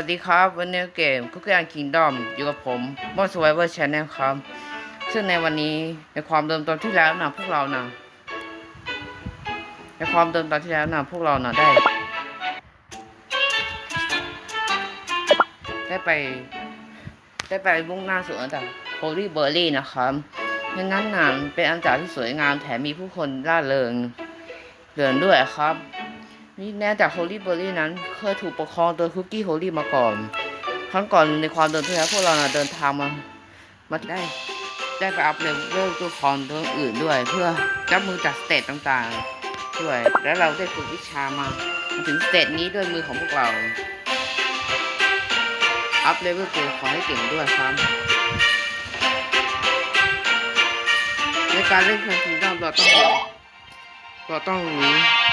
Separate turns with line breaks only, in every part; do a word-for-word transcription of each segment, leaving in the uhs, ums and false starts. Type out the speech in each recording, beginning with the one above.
ดีครับวันนี้เกมคุกกี้อันคิงดอมอยู่กับผมมอนสไวเวอร์ชแนลครับซึ่งในวันนี้ในความเดิมตอนที่แล้วนะพวกเรานะในความเดิมตอนที่แล้วนะพวกเรานะได้ได้ไปได้ไปมุ่งหน้าสู่อันดับโฮลี่เบอร์รี่นะครับในนั้นนะเป็นอันดับที่สวยงามแถมมีผู้คนร่าเริงเดินด้วยครับนี่แน่จากโฮลี่เบอร์รี่นั้นเคยถูกปกครองโดยคุกกี้โฮลี่มาก่อนครั้งก่อนในความเดินที่แล้วพวกเราเดินทางมามาได้ได้ไปอัพเลเวลตัวคอนตัวอื่นด้วยเพื่อรับมือจากสเตจต่างๆด้วยและเราได้ฝึกวิชามาถึงสเตจนี้ด้วยมือของพวกเราอัพเลเวลตัวขอให้เก่งด้วยครับในการเล่นคอนติเนียเราต้องเราต้องรู้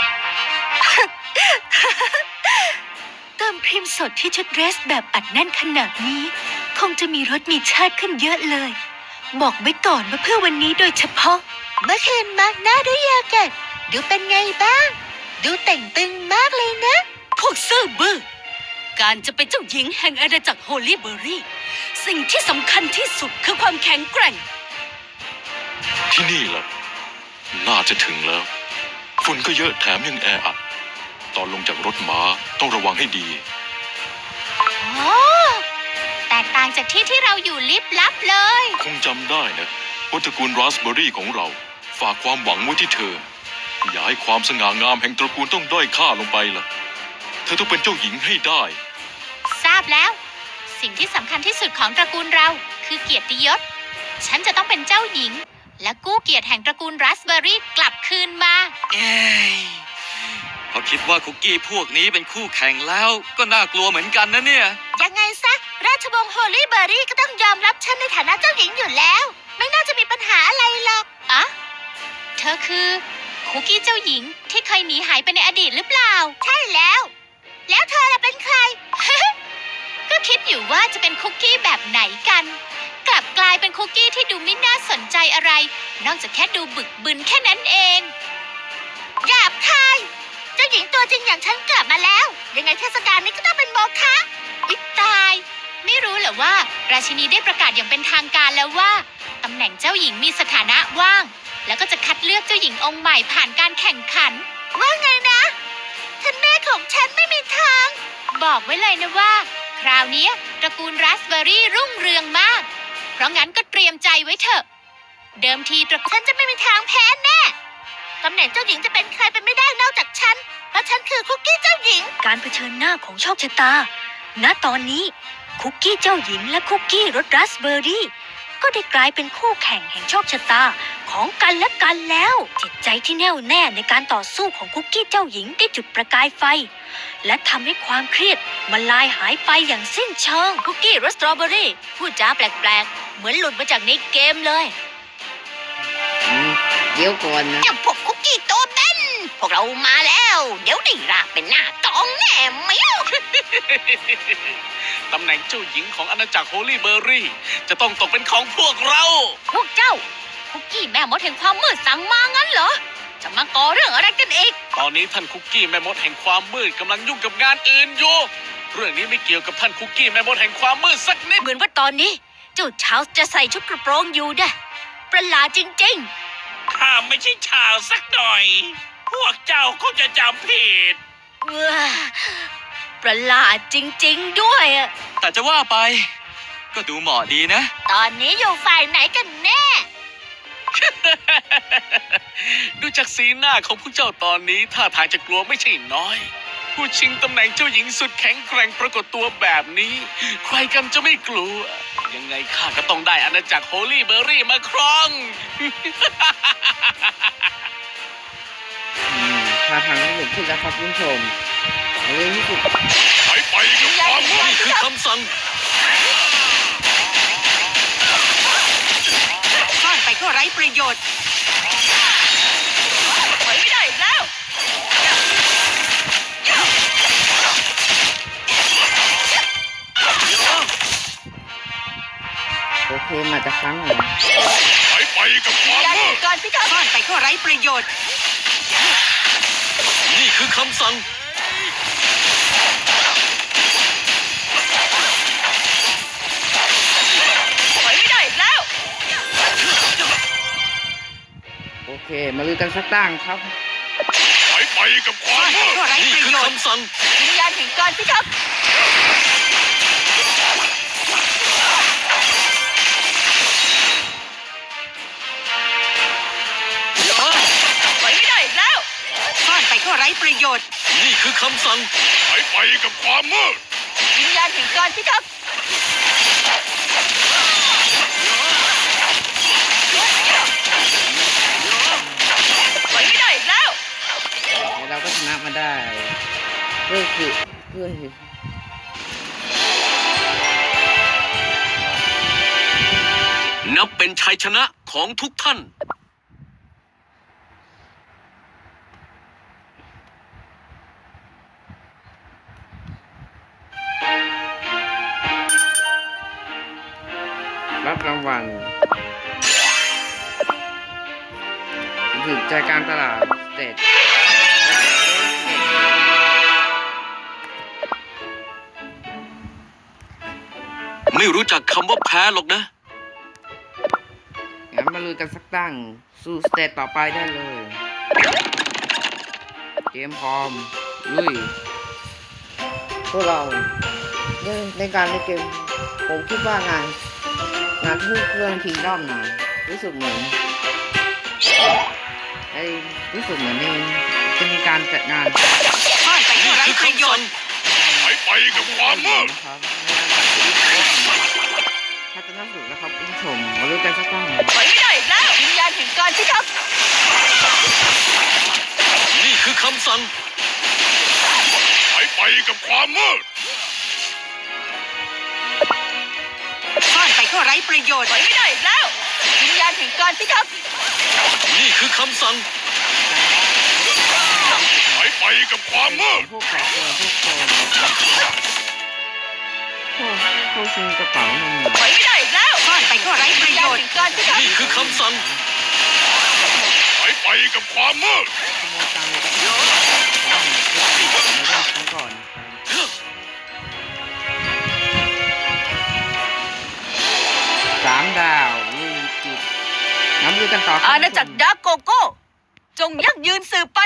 เติมครีมสดที่ชุดเดรสแบบอัดแน่นขนาดนี้คงจะมีรสมีชาติขึ้นเยอะเลยบอกไว้ก่อนว่าเพื่อวันนี้โดยเฉพาะเมื่อคืนมาหน้าด้วยยากัดดูเป็นไงบ้างดูแต่งตึงมากเลยนะพวกซื่อบื้อการจะเป็นเจ้าหญิงแห่งอาณาจักรโฮลี่เบอร์รี่สิ่งที่สำคัญที่สุดคือความแข็งแกร่ง
ที่นี่ล่ะน่าจะถึงแล้วฝุ่นก็เยอะแถมยังแออัดตอนลงจากรถม้าต้องระวังให้ดี
โอ้แตกต่างจากที่ที่เราอยู่ลิบลับเลย
คงจำได้นะว่าตระกูลราสเบอร์รี่ของเราฝากความหวังไว้ที่เธออย่าให้ความสง่างามแห่งตระกูลต้องด้อยค่าลงไปล่ะเธอต้องเป็นเจ้าหญิงให้ได้
ทราบแล้วสิ่งที่สำคัญที่สุดของตระกูลเราคือเกียรติยศฉันจะต้องเป็นเจ้าหญิงและกู้เกียรติแห่งตระกูลราสเบอร์รี่กลับคืนมา
เอ้ยพอคิดว่าคุกกี้พวกนี้เป็นคู่แข่งแล้วก็น่ากลัวเหมือนกันนะเนี่ย
ยังไงซะราชวงศ์โฮลี่เบอร์รี่ก็ต้องยอมรับฉันในฐานะเจ้าหญิงอยู่แล้วไม่น่าจะมีปัญหาอะไรหรอกอะเธอคือคุกกี้เจ้าหญิงที่เคยหนีหายไปในอดีตหรือเปล่าใช่แล้วแล้วเธอล่ะเป็นใคร ก็คิดอยู่ว่าจะเป็นคุกกี้แบบไหนกันกลับกลายเป็นคุกกี้ที่ดูไม่น่าสนใจอะไรนอกจากแค่ดูบึกบึนแค่นั้นเองหยาบคายเจ้าหญิงตัวจริงอย่างฉันกลับมาแล้วยังไงเทศกาลนี้ก็ต้องเป็นโมฆะวิตายไม่รู้เหรอว่าราชินีได้ประกาศอย่างเป็นทางการแล้วว่าตำแหน่งเจ้าหญิงมีสถานะว่างแล้วก็จะคัดเลือกเจ้าหญิงองค์ใหม่ผ่านการแข่งขันว่าไงนะท่านแม่ของฉันไม่มีทางบอกไว้เลยนะว่าคราวนี้ตระกูลราสเบอร์รี่รุ่งเรืองมากเพราะงั้นก็เตรียมใจไว้เถอะเดิมทีตระกูลฉันจะไม่มีทางแพ้แน่ตำแหน่งเจ้าหญิงจะเป็นใครไปไม่ได้นอกจากฉันเพราะฉันคือคุกกี้เจ้าหญิงการเผชิญหน้าของโชคชะตาณตอนนี้คุกกี้เจ้าหญิงและคุกกี้รสราสเบอร์รี่ก็ได้กลายเป็นคู่แข่งแห่งโชคชะตาของกันและกันแล้วจิตใจที่แน่วแน่ในการต่อสู้ของคุกกี้เจ้าหญิงได้จุดประกายไฟและทำให้ความเครียดมันลายหายไปอย่างสิ้นเชิงคุกกี้รสสตรอเบอรี่พูดจาแปลกๆเหมือนหลุดมาจากในเกมเลย
เดี๋ยวก่อนนะ
เจ้าพวกคุกกี้โตเต้นพวกเรามาแล้วเดี๋ยวได้ราเป็นหน้ากองแน่ไหม
ตำแหน่งเจ้าหญิงของอาณาจักรโฮลี่เบอร์รี่จะต้องตกเป็นของพวกเรา
พวกเจ้าคุกกี้แม่มดแห่งความมืดสั่งมางั้นเหรอจะมาก่อเรื่องอะไรกันอีก
ตอนนี้ท่านคุกกี้แม่มดแห่งความมืดกำลังยุ่งกับงานอื่นอยู่เรื่องนี้ไม่เกี่ยวกับท่านคุกกี้แม่มดแห่งความมืดสักนิด
เหมือนว่าตอนนี้เจ้าชาวจะใส่ชุดกระโปรงอยู่นะประหลาดจริง
ๆข้าไม่ใช่ชาวสักหน่อยพวกเจ้าก็จะจำผิด
ประหลาดจริงๆด้วย
แต่จะว่าไปก็ดูเหมาะดีนะ
ตอนนี้อยู่ฝ่ายไหนกันแน่
ดูจากสีหน้าของพวกเจ้าตอนนี้ท่าทางจะกลัวไม่ใช่น้อยผู้ชิงตำแหน่งเจ้าหญิงสุดแข็งแกร่งปรากฏตัวแบบนี้ใครกันจะไม่กลัวยังไงข้าก็ต้องได้อาณาจักรโฮลี่เบอร์รี่มาครอง
ท่าทางที่หนึ่งขึ้นแล้วครับคุณผู้ชมเฮ้ยนี่คือ
ไปไปกับความนี่คือคำสั่ง
ซ่อนไปก็ไร้ประโยชน์ถอยไม่ได้แล้ว
โอเคมาจากครั้งไหน
ไปไปกับความมืด
การพิฆาตซ่อนไปก็ไร้ประโยชน์
นี่คือคำสั่ง
เค มาลือกันสักตั้งครับ
หายไปกับความมืด
ก็ไร้
นี่
ประ
คือ
โยชน์
คำสั่ง
วิญญาณแห่งการพิทักษ์ไปไม่ได้อีกแล้วซ่อนไปก็ไร้ประโยชน์
นี่คือคำสั่ง
หายไปกับความมืด
วิญญาณแห่งการพิทักษ์ไปไม่ได้อีกแล้ว
แล้วเราก็ชนะมาได้เพื่อคือเพื่อคือ
นับเป็นชัยชนะของทุกท่าน
รับรางวัลถึงใจกลารตลาดสเตท
ไม่รู้จักคำว่าแพ้หรอกนะ
งั้นมาลุยกันสักตั้งสู่สเตจต่อไปได้เลย เกมพร้อม ลุย พวกเราในในการเล่นเกม ผมคิดว่างาน งานที่เพื่อนคิงด้อมนะรู้สึกเหมือนไอ้รู้สึกเหมือนในจะมีการจัดงาน
ซ่อนไปก็
นี่
ไร้
คือ
ประโย
คำ
ช
สั่ง
น์
หายไปกับความมืด
นะครับถ้าจะน่าสุดนะครับคุณผู้ชมมาลุยกันสักตั้ง
ไปไม่ได้อีกแล้ววิญญาณแห่งการพิทักษ์
นี่คือคำสั่ง
หายไปกับความมืด
ซ่อนไปก็ไร้ประโยชน์ไปไม่ได้อีกแล้ววิญญาณแห่งการพิทักษ์
นี่คือคำสั่ง
หายไปกับความมืด
พวกแปลกตัวพวกโกงพวกพวกชิงกระเป๋าเงิน
ไปไม่ได้อีกแล้วซ่อนไปก็ไร้ประโยชน์การพิทักษ์
นี่คือคำสั่ง
หายไปกับความมืด
ขโมยตังค์ในกระเป๋าผมเห็นในเรื่องครั้งก่อนสามดาวลุยจุดน้ำลุยกันต่อครับ
อาณาจักรดาร์กโกโก้ จงยั่งยืนสืบไป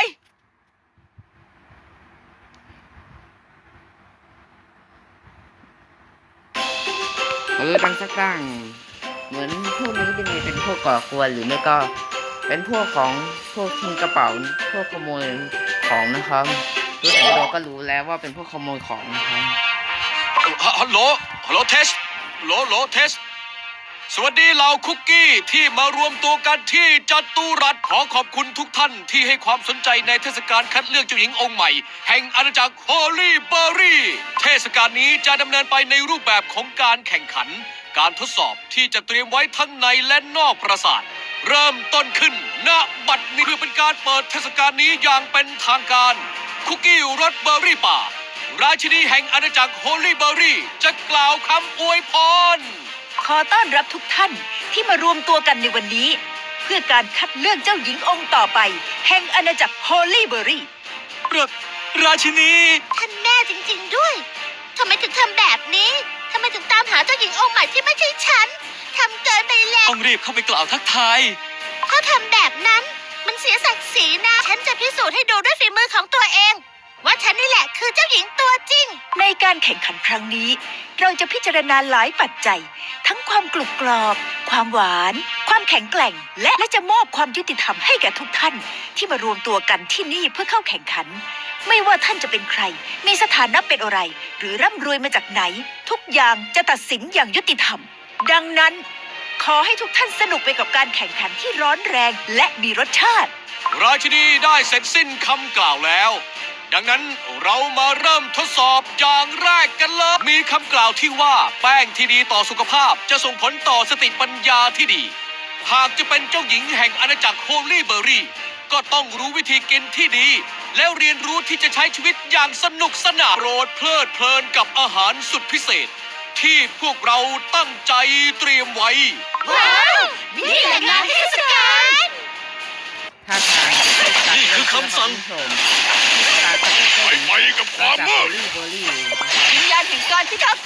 มาลุยกันสักตั้งเหมือนพวกนี้จะมีเป็นพวกก่อกวนหรือไม่ก็ เป็นพวกของพวกชิงกระเป๋าพวกขโมยของนะครับรู้แต่เราก็รู้แล้วว่าเป็นพวกขโมยของนะครับ
ฮัลโหล ฮัลโหลเทสฮัลโหลฮัลโหลเทส สวัสดีเหล่าคุกกี้ที่มารวมตัวกันที่จัตุรัสขอขอบคุณทุกท่านที่ให้ความสนใจในเทศกาลคัดเลือกเจ้าหญิงองค์ใหม่ แห่งอาณาจักรฮอลลี่เบอร์รี่เทศกาลนี้จะดำเนินไปในรูปแบบของการแข่งขัน การทดสอบที่จะเตรียมไว้ทั้งในและนอกปราสาท เริ่มต้นขึ้นณบัดนี้เพื่อเป็นการเปิดเทศกาลนี้อย่างเป็นทางการ คุกกี้รสเบอร์รี่ป่า ราชินีแห่งอาณาจักรฮอลลี่เบอร์รี่จะกล่าวคำอวยพร
ขอต้อนรับทุกท่านที่มารวมตัวกันในวันนี้ เพื่อการคัดเลือกเจ้าหญิงองค์ต่อไป แห่งอาณาจักรฮอลลี่เบอร์รี่
ราราชินี
ท่านแม่จริงๆด้วย ทำไมถึงทำแบบนี้ ทำไมถึงตามหาเจ้าหญิงองค์ใหม่ที่ไม่ใช่ฉัน ทำเกินไปแล้ว
ต้องรีบเข้าไปกล่าวทักทาย
ถ้าทำแบบนั้น มันเสียศักดิ์ศรีนะ ฉันจะพิสูจน์ให้ดูด้วยฝีมือของตัวเอง ว่าฉันนี่แหละคือเจ้าหญิงตัวจริง ในการแข่งขันครั้งนี้ เราจะพิจารณาหลายปัจจัย ทั้งความกรุบกรอบ ความหวาน ความแข็งแกร่ง และและจะมอบความยุติธรรมให้แก่ทุกท่าน ที่มารวมตัวกันที่นี่เพื่อเข้าแข่งขัน ไม่ว่าท่านจะเป็นใคร มีสถานะเป็นอะไร หรือร่ำรวยมาจากไหน ทุกอย่างจะตัดสินอย่างยุติธรรม ดังนั้น ขอให้ทุกท่านสนุกไปกับการแข่งขันที่ร้อนแรงและมีรสชาติ
ราชินีได้เสร็จสิ้นคำกล่าวแล้ว ดังนั้นเรามาเริ่มทดสอบอย่างแรกกันเลย มีคำกล่าวที่ว่าแป้งที่ดีต่อสุขภาพจะส่งผลต่อสติปัญญาที่ดี หากจะเป็นเจ้าหญิงแห่งอาณาจักรโฮลลี่เบอร์รี่ก็ต้องรู้วิธีกินที่ดี แล้วเรียนรู้ที่จะใช้ชีวิตอย่างสนุกสนานโปรดเพลิดเพลินกับอาหารสุดพิเศษ ที่พวกเราตั้งใจเตรียมไว้
ว้าว นี่แหละงานเทศกาล
ท่าทาง
นี่คือคำสั่ง
หาย
หายไปกับความมืด
เบอร์รี่เบอร์รี่
วิญญาณแห่งการพิทักษ์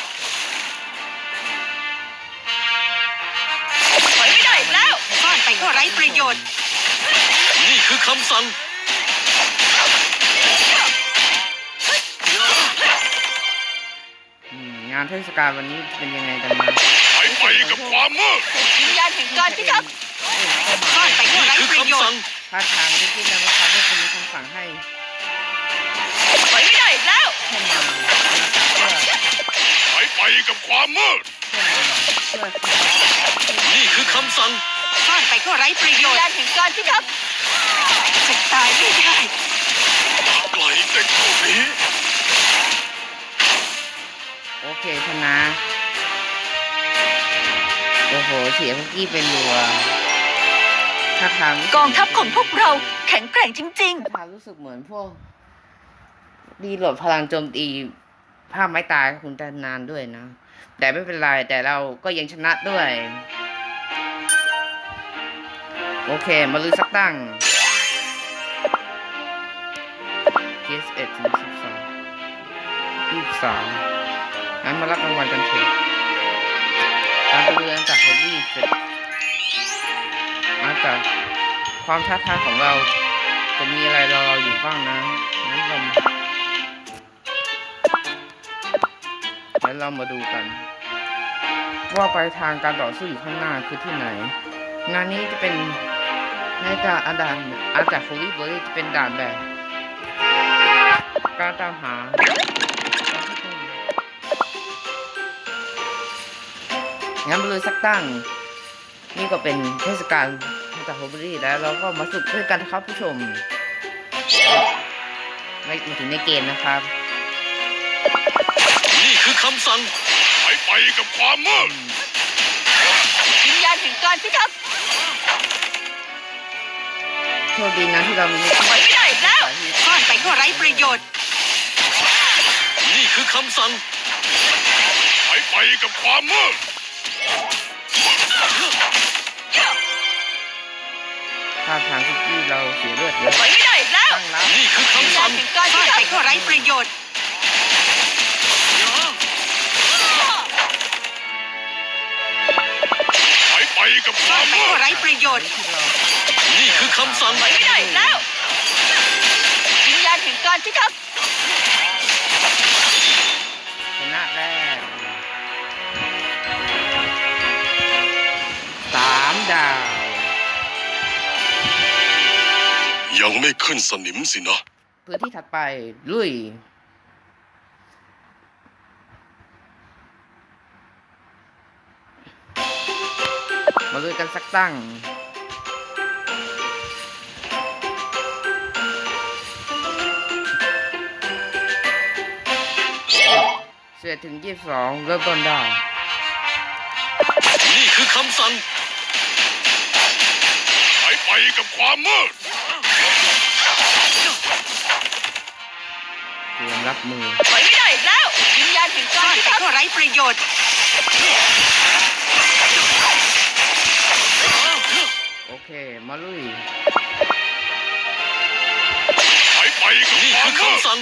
ไปไม่ได้อีกแล้วซ่อนไปก็ไร้ประโยชน์
นี่คือคำสั่ง
อืมงานเทศกาลวันนี้เป็นยังไงกันมา
หายไปกับความมืด
วิญญาณแห่งการพิทักษ์ซ่อนไปก็
นี่
ไร้
คือ
ประโย
คำ
ช
สั่ง
น์
ท่าทางที่ที่นำมาทำให้คุณมีคำสั่งให้
ถอยไม่ได้อีกแล้ว
เข้ามาเพื่อ
หายไปกับความมืด
เพื่อเพื่อ
นี่คือคำสั่ง
ซ่อนไปก็ไร้ประโยชน์วิญญาณแห่งการพิทักษ์จะตายไม่ได้
ปล่อยเด็กพวกนี้
โอเคชนะโอ้โหเสียคุกกี้เป็นรัวท่าทาง
กองทัพของพวกเราแข็งแกร่งจริง
ท่าทางรู้สึกเหมือนพวกดีโหลดพลังโจมตีภาพไม้ตายคุณแต่นานด้วยนะ แต่ไม่เป็นไรแต่เราก็ยังชนะด้วย โอเค มาลุยสักตั้งเกสเอ็ดถึงสิบสองยี่สิบสามงั้นมารับรางวัลกันเถอะการตะลุยจากฮอบบี้เสร็จมาจากความท้าทายของเราจะมีอะไรรอเราอยู่บ้างนะงั้นเรางั้นเรามาดูกัน ว่าไปทางการต่อสู้อยู่ข้างหน้าคือที่ไหน งานนี้จะเป็นในด่านอาดานอาจากโฟลี่เบอร์รี่จะเป็นด่านแบบการตามหางั้นมาเลยสักตั้ง นี่ก็เป็นเทศกาลจากโฟลี่เบอร์รี่แล้วเราก็มาสุดด้วยกันนะครับผู้ชมไม่ถึงในเกมนะครับ
นี่คือคำสั่งหายไปกับความมืด
ๆ วิญญาณแห่งการพิทักษ์
โชคดีนะที่เรามี
ถอยไม่ได้อีกแล้วซ่อนไปก็ไร้ประโยชน์
นี่คือคำสั่งหายไปกับความมืด
ท่าทางคุกกี้เราเสียเลือดเยอะ
ถอยไม่ได้อีกแล้ว
ตั้งรับ
นี่คือ
วิญ
คำ
ญา
สั่
ณ
ง
แห่งการพิทักษ์ซ่อนไปก็ไร้ประโยชน์
หายไปกับค
ซ่อ
วาน ม
ไป
มื
ก็
ด
ไร้ประโยชน์
ที่เรา
นี่คือคำสั่ง
ถอยไม่ได้อีกแล้ว วิญญาณแห่งการพิทักษ์
ชนะแรกสามดาว
ยังไม่ขึ้นสนิมสินะ
พื้นที่ถัดไป ลุย มาลุยกันสักตั้ง เสียถึงยี่สิบสองเริ่มต้นได้
นี่คือคำสั่งหายไปกับความมืด
เตรียมรับมือ
ถอยไม่ได้อีกแล้ว วิญญาณแห่งการพิทักษ์ก็ไร้ประโยชน์
โอเค มาลุย
หายไปกับนี่คือคำสั่ง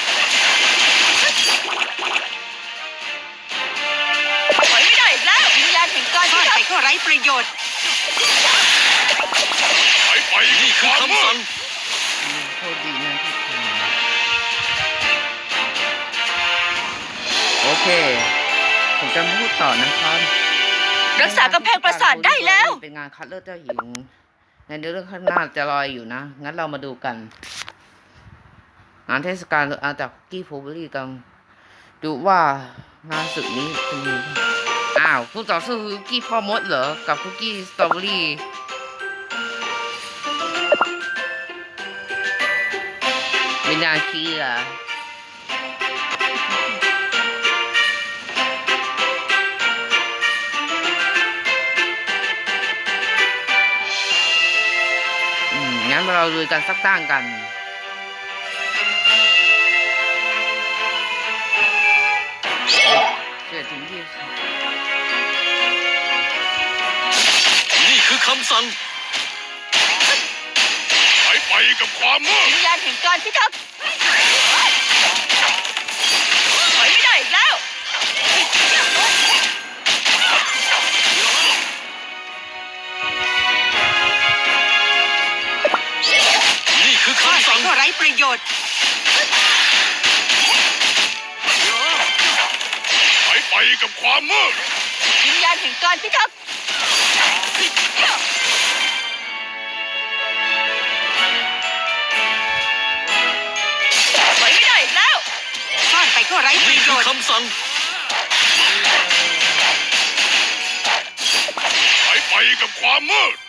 ถอยไม่ได้อีกแล้ว วิญญาณแห่งการพิทักษ์ซ่อนไปก็ไร้ประโยชน์
หายไปนี่คือคำสั่ง
โทษดีนะที่ทำโอเค ผมจะไม่พูดต่อนะครับ
รักษากำแพงปราสาทได้แล้ว
เป็นงานคัดเลือกเจ้าหญิง ในเรื่องข้างหน้าจะลอยอยู่นะ งั้นเรามาดูกัน งานเทศกาลอาจากคุกกี้โฟเบอรี่กัน ดูว่างานศึกนี้เป็นยังไงอ้าวผู้ต่อสู้คือคุกกี้พ่อมดเหรอ กับคุกกี้สตรอเบอรี่ไม่น่าเชื่ออืมงั้นเราลุยกันสักตั้งกันเกิดถึงยี่สิบ
นี่คือคำสั่งหายไปกับความมืด
วิญญาณแห่งการพิทักษ์ถอยไม่ได้อีกแล้ว ถ
โยชน์
หายไปกับความมืด
วิญญาณแห่งการพิทักษ์ไว้ไม่ได้อีกแล้ว
ซ่อนไปก็ไร้ประ
นี่
โย
คือ
ชน์
คำสั่ง
หายไปกับความมืด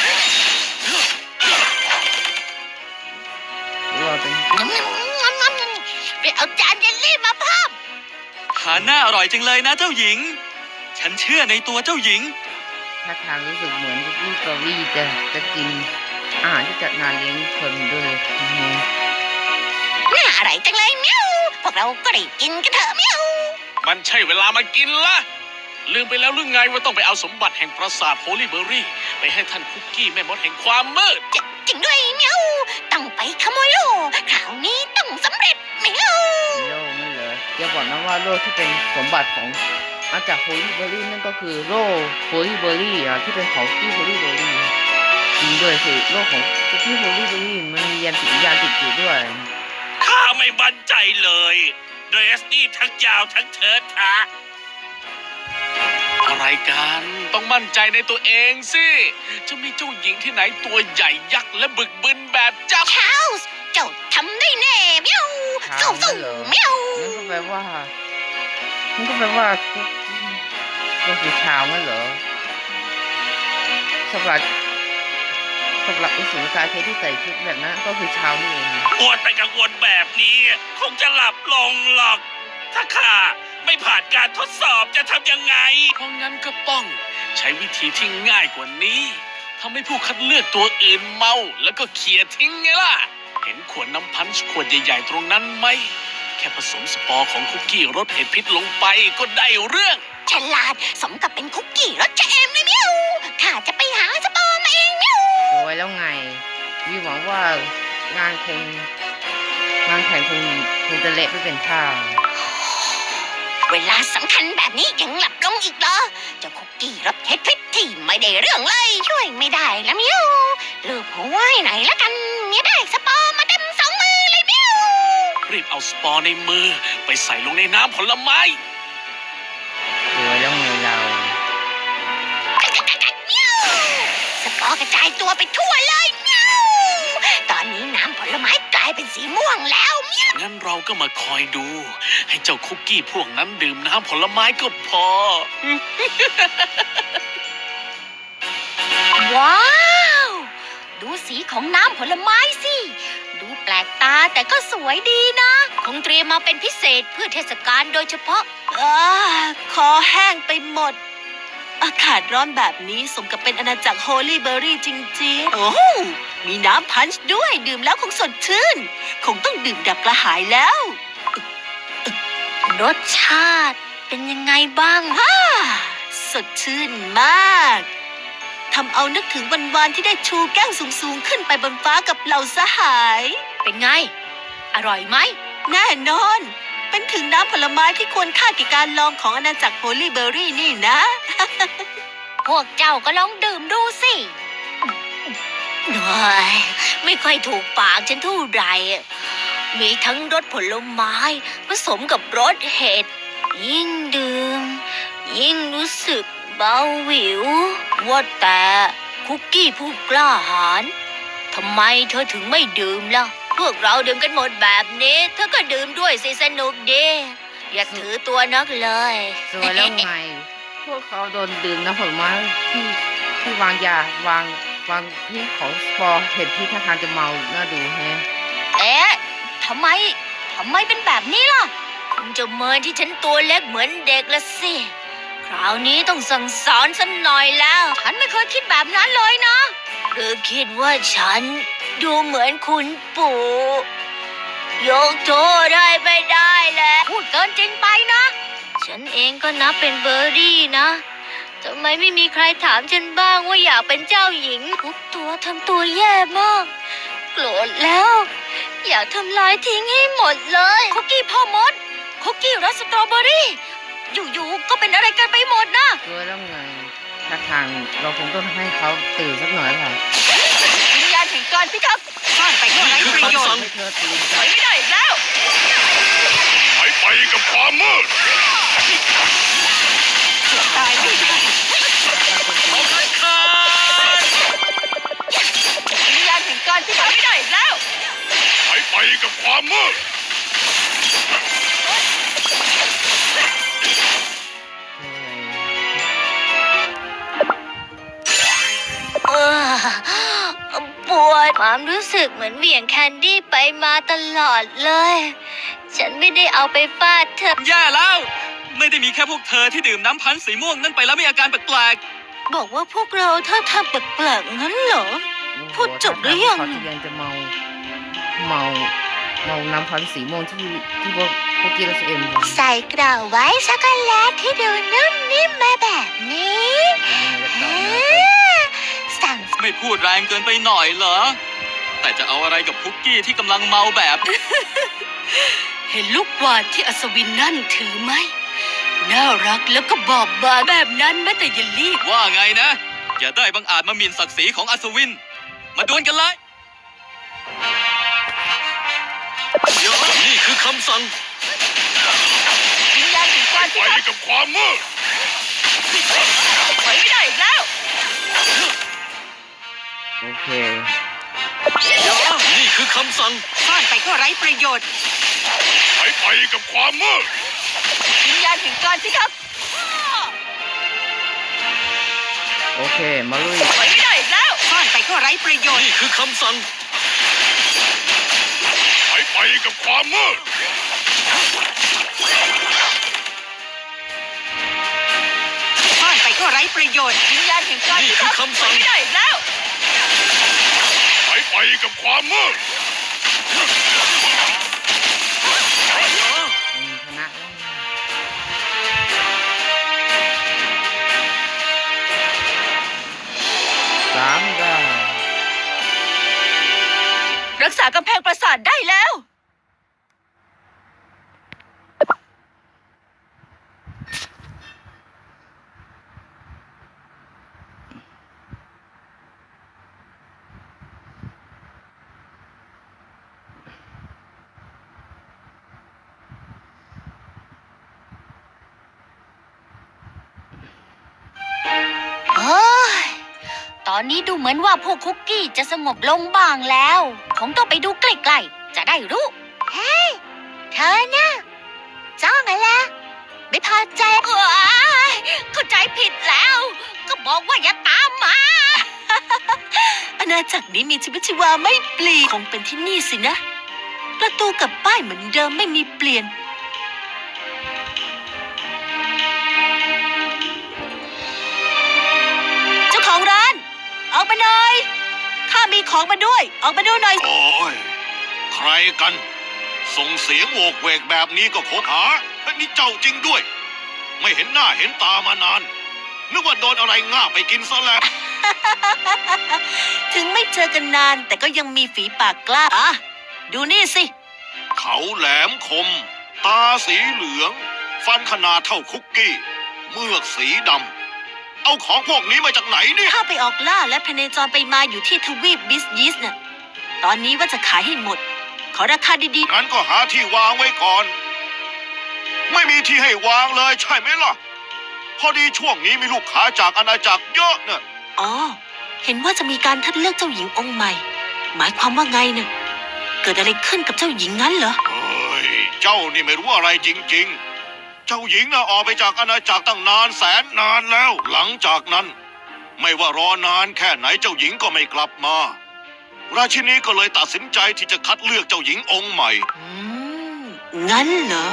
เราเป็น
ไปเอาจานเยลลี่มาเพิ่ม
ทานน่าอร่อยจังเลยนะเจ้าหญิง ฉันเชื่อในตัวเจ้าหญิง
ท่าทางรู้สึกเหมือนพี่กอรี่จะจะกินอาหารที่จัดงานเลี้ยงคนด้วยนะฮะ
น่าอร่อยจังเลยเมียวพวกเราก็ได้กินกันเถอะเมียว
มันใช่เวลามากินละลืมไปแล้วหรือไงว่าต้องไปเอาสมบัติแห่งปราสาทโฮลี่เบอร์รี่ ไปให้ท่านคุกกี้แม่มดแห่งความมืด
จจริงด้วยเมียวต้องไปขโมยโล่คราวนี้ต้องสำเร็จเมียว
โล่นั่นเหรออย่าบอกนะว่าโล่ที่เป็นสมบัติของมาจากโฮลี่เบอร์รี่นั่นก็คือโล่โฮลี่เบอร์รี่อ่ะที่เป็นของที่โฮลี่เบอร์รี่จริงด้วยสิโล่ของที่โฮลี่เบอร์รี่มันมียันติดยานติดอยู่ด้วย
ข้าไม่มั่นใจเลยเดรสนี่ทั้งยาวทั้งเถิดทะอะไรกันต้องมั่นใจในตัวเองสิ จะมีเจ้าหญิงที่ไหนตัวใหญ่ยักษ์และบึกบึนแบบเจ้า
ชาลส์เจ้าทำได้แน่เมียว
ชา
สู้
ลส์เหรอ
ๆเมียว
นั่นก็แปลว่านั่นก็แปลว่าก็คือชาวนั่นเหรอสำหรับสำหรับอุสุนกายเพชรที่ใส่ชุดแบบนั้นก็คือชาวนี่เอง
ปวดไปกังวลแบบนี้ คงจะหลับลงหรอก ถ้าข้าไม่ผ่านการทดสอบจะทำยังไง เพราะงั้นก็ต้องใช้วิธีที่ง่ายกว่านี้ทำให้ผู้คัดเลือกตัวอื่นเมาแล้วก็เขี่ยทิ้งไงล่ะ เห็นขวดน้ำพันช์ขวดใหญ่ๆตรงนั้นไหม แค่ผสมสปอร์ของคุกกี้รสเห็ดพิษลงไปก็ได้เรื่อง
ฉลาดสมกับเป็นคุกกี้รสจะเอมเลยเมียวข้าจะไปหาสปอร์มาเองเมียว
สวยแล้วไงวิหวังว่างานคงงานแข่งคงคงจะเละไม่เป็นท่า
เวลาสำคัญแบบนี้ยังหลับลงอีกเหรอเจ้าคุกกี้รสเห็ดพิษที่ไม่ได้เรื่องเลยช่วยไม่ได้แล้วเมียวลูกหัวไว้ไหนละกันเมียได้สปอร์มาเต็มสองมือเลยเมียว
รีบเอาสปอร์ในมือไปใส่ลงในน้ำผลไม้
สวยแล้วไงเรา
เมียวสปอร์กระจายตัวไปทั่วเลยเมียวตอนนี้น้ำผลไม้กลายเป็นสีม่วงแล้วเมียว
งั้นเราก็มาคอยดู ให้เจ้าคุกกี้พวกนั้นดื่มน้ำผลไม้ก็พอ
ว้าว ดูสีของน้ำผลไม้สิ ดูแปลกตาแต่ก็สวยดีนะ คงเตรียมมาเป็นพิเศษเพื่อเทศกาลโดยเฉพาะอาคอแห้งไปหมด อากาศร้อนแบบนี้สมกับเป็นอาณาจักรโฮลี่เบอร์รี่จริงๆ โอ้มีน้ำพันช์ด้วยดื่มแล้วคงสดชื่น คงต้องดื่มดับกระหายแล้ว รสชาติเป็นยังไงบ้างฮ่าสดชื่นมากทำเอานึกถึงวันวานที่ได้ชูแก้วสูงๆขึ้นไปบนฟ้ากับเหล่าสหาย เป็นไง อร่อยไหม แน่นอน เป็นถึงน้ำผลไม้ที่ควรค่าแก่การลองของอาณาจักรโฮลี่เบอร์รี่นี่นะ พวกเจ้าก็ลองดื่มดูสิเฮ้ยไม่ค่อยถูกปากฉันเท่าไหร่ มีทั้งรสผลไม้ผสมกับรสเห็ด ยิ่งดื่ม ยิ่งรู้สึกเบาหวิว ว่าแต่คุกกี้ผู้กล้าหาญทำไมเธอถึงไม่ดื่มล่ะ พวกเราดื่มกันหมดแบบนี้ เธอก็ดื่มด้วยสิสนุกดีอย่าถือตัวนักเลย
สวยแล้วไง พวกเขาโดนดื่มน้ำผลไม้ที่ที่วางยาวางวางที่ของสปอร์เห็นที่ท่าทางจะเมาน่าดูแฮะ
เอ๊ะทำไม ทำไมเป็นแบบนี้ล่ะคงจะเมินที่ฉันตัวเล็กเหมือนเด็กละสิ คราวนี้ต้องสั่งสอนสักหน่อยแล้ว ฉันไม่เคยคิดแบบนั้นเลยนะหรือคิดว่าฉันดูเหมือนคุณปู่ยกโทษให้ไม่ได้แล้วพูดเกินจริงไปนะ ฉันเองก็นับเป็นเบอร์รี่นะทำไมไม่มีใครถามฉันบ้างว่าอยากเป็นเจ้าหญิงทุกตัวทำตัวแย่มาก โกรธแล้ว อยากทำลายทิ้งให้หมดเลยคุกกี้พ่อมดคุกกี้รสสตรอเบอรี่อยู่ๆก็เป็นอะไรกันไปหมดนะ
สวยแล้วไงท่าทางเราคงต้องให้เขาตื่นสักหน่อยค่ะ
วิญญาณแห่งการพิทักษ์
ซ่อนไป
ก็ไร้ประโยชน์
ให้เธอตื่น
ถ
ใจ
อยไม่ได้อีกแล้ว
หายไปกับความมืด
ตายไม่ได้
เอาเลยค่ะ
วิญญาณแห่งการที่ทำไม่ได้อีกแล้ว
หายไปกับความมืด
เออปวดความรู้สึกเหมือนเหวี่ยงแคนดี้ไปมาตลอดเลย ฉันไม่ได้เอาไปฟาดเธอ
แย่แล้ว ไม่ได้มีแค่พวกเธอที่ดื่มน้ำพันธุ์สีม่วงนั่นไปแล้วมีอาการแปลก
บอกว่าพวกเราถ้าทำแปลกๆงั้นเหรอ พูดจบหรือยัง
เขาที่ยังจะเมาเมาเมาน้ำพันธุ์สีม่วงที่ที่พวกพวกกีรสเอ็มกัน
ใส่กล่าวไว้ช็อกโกแลตที่ดูนุ่มนิ่มมาแบบนี้
เป็นยังไงกันต่อนะ
อ่าสั่ง
ๆ ไม่พูดแรงเกินไปหน่อยเหรอ แต่จะเอาอะไรกับคุกกี้ที่กำลังเมาแบบ
เห็นลูกกวาดที่อัศวินนั่นถือไหม น่ารักแล้วก็บอบบางแบบนั้นแม้แต่เยลลี่
ว่าไงนะ อย่าได้บังอาจมาหมิ่นศักดิ์ศรีของอัศวิน มาดวลกันเลย
นี่คือคำสั่ง
วิญญาณแห่งการ
ไป
ที่ท
กับความมืด
ำถอยไม่ได้อีกแล้ว
โอเค
นี่คือคำสั่ง
ซ่อนไปก็ไร้ประโยชน์
หายไปกับความมืด
วิญญาณแห่งการที่ท
โอเค มาลุย
ำถอยไม่ได้อีกแล้วซ่อนไปก็ไร้ประโยชน์
นี่คือคำสั่งหายไปกับความมืด
ซ่อนไปก็ไร้ประโยชน์ วิญญาณแห่งการ
นี่
ที่
คือ
ทำ
คำสั่ง
ไม่ได้อีกแล้ว
หายไปกับความมืด
อืมชนะแล้วสามดาว
รักษากำแพงปราสาทได้แล้ว โอ้ย ตอนนี้ดูเหมือนว่าพวกคุกกี้จะสงบลงบ้างแล้ว คงต้องไปดูใกล้ๆ จะได้รู้ เฮ้ย เธอน่ะจ้องอะไรไม่พอใจว้ายเข้าใจผิดแล้ว ก็บอกว่าอย่าตามมา อาณาจักรนี้มีชีวิตชีวาไม่เปลี่ยนคงเป็นที่นี่สินะ ประตูกับป้ายเหมือนเดิมไม่มีเปลี่ยน เจ้าของร้าน ออกมาหน่อย ข้ามีของมาด้วย ออกมาดูหน่อย
โอ้ย ใครกัน ส่งเสียงโวกเวกแบบนี้ก็คบหาและนี่เจ้าจริงด้วย ไม่เห็นหน้าเห็นตามานาน นึกว่าโดนอะไรง่าบไปกินซะแล้ว
ถึงไม่เจอกันนานแต่ก็ยังมีฝีปากกล้าอ่ะดูนี่สิ
เขาแหลมคม ตาสีเหลือง ฟันขนาดเท่าคุกกี้ เมือกสีดำ เอาของพวกนี้มาจากไหนเนี่ย
ข้าไปออกล่าและพเนจรไปมาอยู่ที่ทวีปบิสยิสน่ะ ตอนนี้ว่าจะขายให้หมด ขอราคาดี
งั้นก็หาที่วางไว้ก่อน ไม่มีที่ให้วางเลยใช่ไหมล่ะ พอดีช่วงนี้มีลูกค้าจากอาณาจักรเยอะเนี่ย
ๆ อ๋อ เห็นว่าจะมีการคัดเลือกเจ้าหญิงองค์ใหม่ หมายความว่าไงน่ะ เกิดอะไรขึ้นกับเจ้าหญิงงั้นเหรอ
เฮ้ย เจ้านี่ไม่รู้อะไรจริงๆ เจ้าหญิงน่ะออกไปจากอาณาจักรตั้งนานแสนนานแล้ว หลังจากนั้น ไม่ว่ารอนานแค่ไหนเจ้าหญิงก็ไม่กลับมา ราชินีก็เลยตัดสินใจที่จะคัดเลือกเจ้าหญิงองค์ใหม่
อืม งั้นเหรอ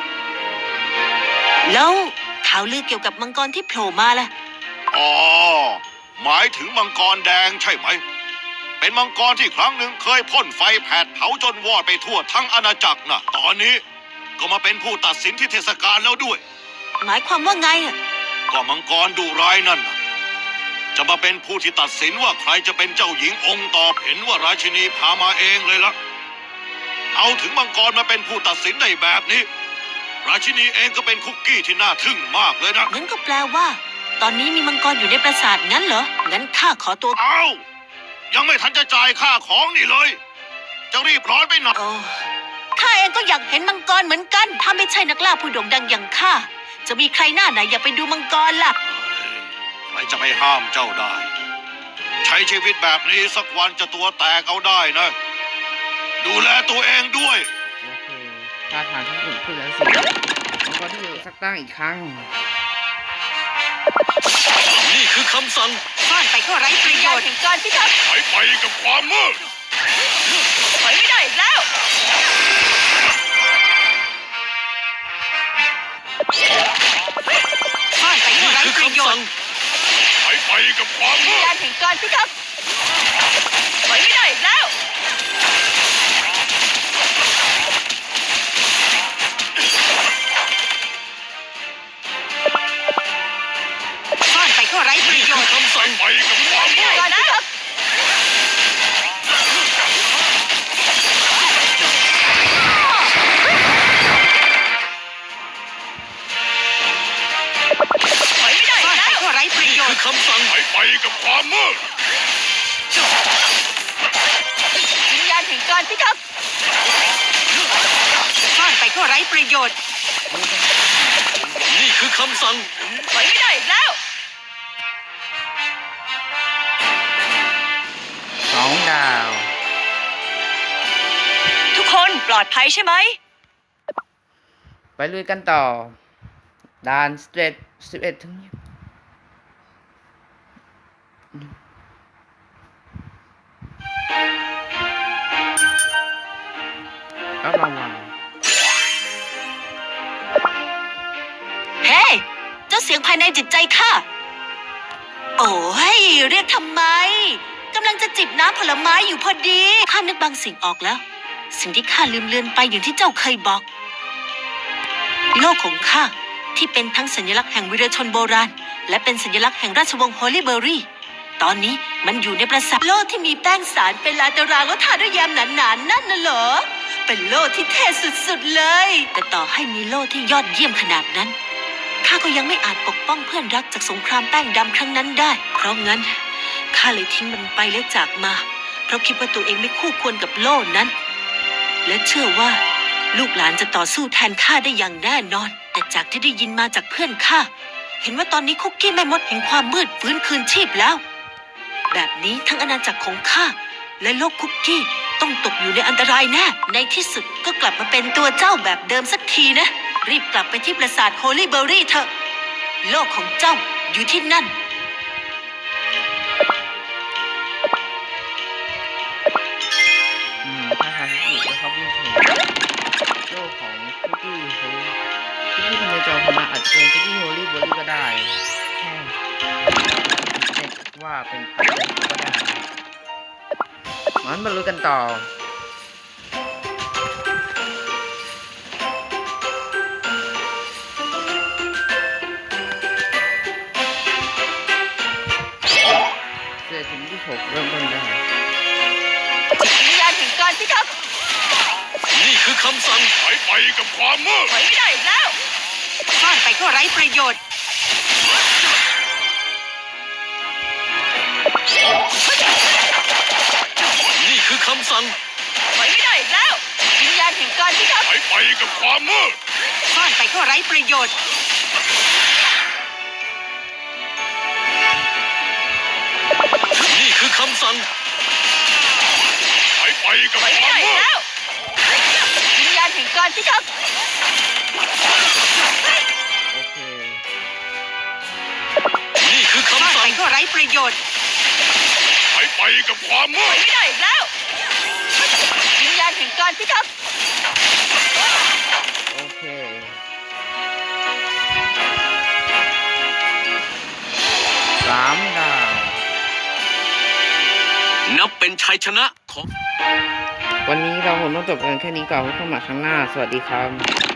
แล้วข่าวลือเกี่ยวกับมังกรที่โผล่มาล่ะ
อ๋อ หมายถึงมังกรแดงใช่ไหม เป็นมังกรที่ครั้งหนึ่งเคยพ่นไฟแผดเผาจนวอดไปทั่วทั้งอาณาจักรนะตอนนี้ก็มาเป็นผู้ตัดสินที่เทศกาลแล้วด้วย
หมายความว่าไงอ่ะ
ก็มังกรดุร้ายนั่นน่ะจะมาเป็นผู้ที่ตัดสินว่าใครจะเป็นเจ้าหญิงองค์ต่อเห็นว่าราชินีพามาเองเลยละเอาถึงมังกรมาเป็นผู้ตัดสินได้แบบนี้ ราชินีเองก็เป็นคุกกี้ที่น่าทึ่งมากเลยนะ
งั้นก็แปลว่า ตอนนี้มีมังกรอยู่ในปราสาทงั้นเหรอ งั้นข้าขอตัว
เอายังไม่ทันจะจ่ายค่าของนี่เลยจะรีบร้อนไปหน่อย
โอ้ข้าเองก็อยากเห็นมังกรเหมือนกัน ถ้าไม่ใช่นักล่าผู้โด่งดังอย่างข้า จะมีใครหน้าไหนอยากไปดูมังกรล่ะ
ใครจะไปห้ามเจ้าได้ ใช้ชีวิตแบบนี้สักวันจะตัวแตกเอาได้นะ ดูแลตัวเองด้วย
โอเคท่าทางที่สุดขึ้นแล้วสิแล้วก็ที่อยู่สักตั้งอีกครั้ง
นี่คือคำสั่ง
ซ่อนไปก็ไร้ประโยชน์ถึงการพิทักษ์
ไปไปกับความมืด
ถอยไม่ได้อีกแล้วซ่อนไปก็
นี่
ไร้
คือ
ประโย
คำ
ช
สั่ง
น์
ไปไปกับความมืด
การแห่งการพิทักษ์ถอยไม่ได้อีกแล้วซ่อนไปก็ไร้ประ
นี่
โย
คือ
ชน์
คำสั่ง
ไปกับความมืด
การพิทักษ์ถอยไม่ได้อีกแล้วก็ไร้ประ
นี่
โย
คื
ช
อ
น์
คำสั่ง
ไปไปกับความมืด
วิญญาณแห่งการพิทักษ์ซ่อนไปก็ไร้ประโยชน์
นี่คือคำสั่ง
ถอยไม่ได้อีกแล้ว
สองดาว
ทุกคนปลอดภัยใช่ไหม
ไปลุยกันต่อด่านสเตรทสิบเอ็ดถึงรับรางวัล
เฮ้ยเจ้าเสียงภายในจิตใจข้า โอ้ยเรียกทำไม กำลังจะจิบน้ำผลไม้อยู่พอดี ข้านึกบางสิ่งออกแล้ว สิ่งที่ข้าลืมเลือนไปอย่างที่เจ้าเคยบอก โลกของข้าที่เป็นทั้งสัญลักษณ์แห่งวีรชนโบราณ และเป็นสัญลักษณ์แห่งราชวงศ์โฮลิเบอรี่ ตอนนี้มันอยู่ในปราสาทโลกที่มีแป้งสารเป็นลายตารางแล้วทาด้วยแยมหนาๆนั่นน่ะเหรอ เป็นโลกที่เท่สุดๆเลย แต่ต่อให้มีโลกที่ยอดเยี่ยมขนาดนั้น ข้าก็ยังไม่อาจปกป้องเพื่อนรักจากสงครามแป้งดำครั้งนั้นได้ เพราะงั้นข้าเลยทิ้งมันไปและจากมา เพราะคิดว่าตัวเองไม่คู่ควรกับโลกนั้น และเชื่อว่าลูกหลานจะต่อสู้แทนข้าได้อย่างแน่นอน แต่จากที่ได้ยินมาจากเพื่อนข้า เห็นว่าตอนนี้คุกกี้แม่มดแห่งความมืดฟื้นคืนชีพแล้ว แบบนี้ทั้งอาณาจักรของข้าและโลกคุกกี้ต้องตกอยู่ในอันตรายแน่ ในที่สุดก็กลับมาเป็นตัวเจ้าแบบเดิมสักทีนะ รีบกลับไปที่ปราสาทโฮลี่เบอรี่เถอะ โลกของเจ้าอยู่ที่นั่น
อืมท่าทางที่สุดนะครับผู้ชมโลกของคุกกี้โฮคุกกี้ทำในจอคณะอาจจะเป็นคุกกี้โฮลี่เบอร์รี่ก็ได้แค่เช็คว่าเป็นอะไรก็ได้งั้นมาลุยกันต่อ เสือถึงที่หกเริ่มต้นได้
วิญญาณแห่งการพิทักษ์
นี่คือคำสั่ง
ไปไปกับความมืด
ถอยไม่ได้อีกแล้วซ่อนไปก็ไร้ประโยชน์
นี่คือคำสั่ง
ถอยไม่ได้อีกแล้ว วิญญาณแห่งการพิทักษ์
ไปไปกับความมืด
ซ่อนไปก็ไร้ประโยชน์
นี่คือคำสั่ง
ไปไปกับ
ถอย
ค
ไม่
วาม
ได้อี
มื
ก
ด
แล้ว วิญญาณแห่งการพิทักษ์
โอเค
นี่คือ
ซ่อน
คำ
ไป
สั่ง
ก็ไร้ประโยชน์
ไปไปกับความมื
ถอย
ด
ไม่ได้อีกแล้ว วิญญาณแห่งการพิทักษ์
โอเคสามดาว
นับเป็นชัยชนะของ
วันนี้เราคงต้องจบกันแค่นี้ก่อนพบกันใหม่ครั้งหน้า สวัสดีครับ